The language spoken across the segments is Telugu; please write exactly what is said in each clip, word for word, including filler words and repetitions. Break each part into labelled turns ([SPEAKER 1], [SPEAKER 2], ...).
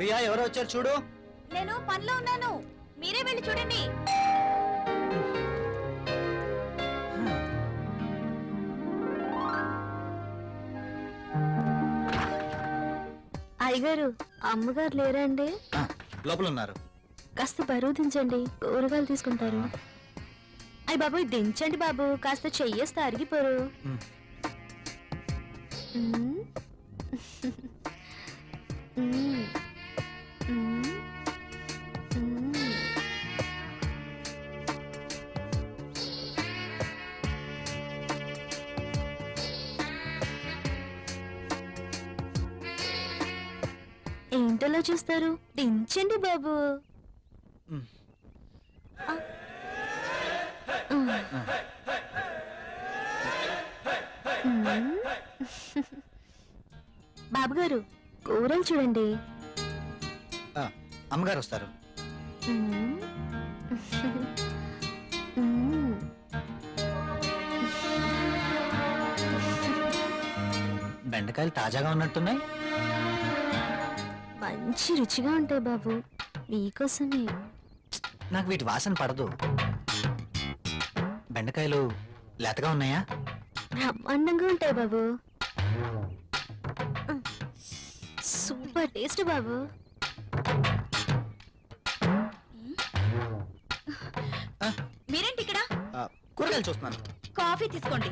[SPEAKER 1] ప్రియా ఎవరో వచ్చారు చూడు.
[SPEAKER 2] నేను పనిలో ఉన్నాను, మీరే వెళ్ళి చూడండి.
[SPEAKER 3] అయ్యగారు, అమ్మగారు లేరండి?
[SPEAKER 1] లోపల ఉన్నారు.
[SPEAKER 3] కాస్త బరువు దించండి, కూరగాయలు తీసుకుంటారు. అయ్య బాబు, దించండి బాబు, కాస్త చెయ్యేస్తే అరిగిపోరు. ఏంటలా చూస్తారు? దించండి బాబు. బాబుగారు, కూరలు చూడండి.
[SPEAKER 1] అమ్మగారు వస్తారు. బెండకాయలు తాజాగా ఉన్నట్టున్నాయి.
[SPEAKER 3] మంచి రుచిగా ఉంటాయి బాబు, మీకోసమే.
[SPEAKER 1] నాకు వీటి వాసన పడదు. బెండకాయలు లేతగా ఉన్నాయా?
[SPEAKER 3] బ్రహ్మాండంగా ఉంటాయి బాబు, సూపర్ టేస్ట్ బాబు.
[SPEAKER 2] మీరేంటి ఇక్కడ?
[SPEAKER 1] కూరగాయలు చూస్తున్నాను.
[SPEAKER 2] కాఫీ తీసుకోండి.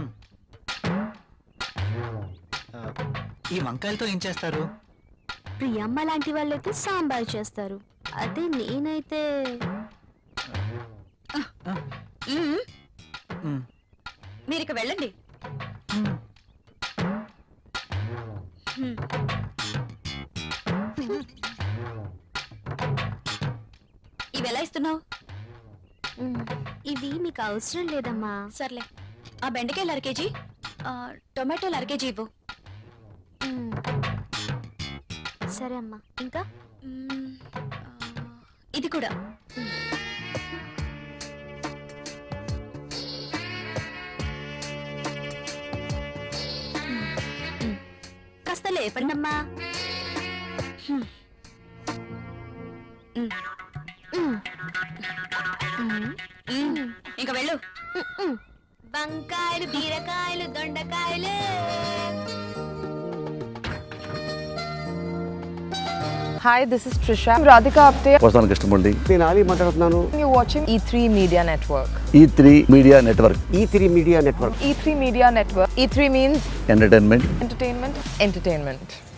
[SPEAKER 1] ఈ వంకాయలతో ఏం చేస్తారు?
[SPEAKER 3] ప్రియమ్మ లాంటి వాళ్ళైతే సాంబార్ చేస్తారు, అదే నేనైతే
[SPEAKER 2] మీరు ఇక వెళ్ళండి. ఇవి ఎలా ఇస్తున్నావు?
[SPEAKER 3] ఇవి మీకు అవసరం లేదమ్మా.
[SPEAKER 2] సర్లే, ఆ బెండకాయలు అర కేజీ, టొమాటోలు అర కేజీ ఇవ్వు.
[SPEAKER 3] సరే అమ్మా. ఇంకా
[SPEAKER 2] ఇది కూడా.
[SPEAKER 3] కాస్త లేపండి అమ్మా.
[SPEAKER 2] ఇంకా వెళ్ళు.
[SPEAKER 3] వంకాయలు, బీరకాయలు, దొండకాయలు.
[SPEAKER 4] Hi, this is Trisha. I'm Radhika Apte.
[SPEAKER 5] వస్తాను కృష్ణమూర్తి.
[SPEAKER 6] నేను ఆలీ మాట్లాడుతున్నాను.
[SPEAKER 4] You're watching E three Media Network.
[SPEAKER 5] E three media network.
[SPEAKER 6] E three media network.
[SPEAKER 4] E three Media Network. E three means
[SPEAKER 5] entertainment.
[SPEAKER 4] entertainment, entertainment.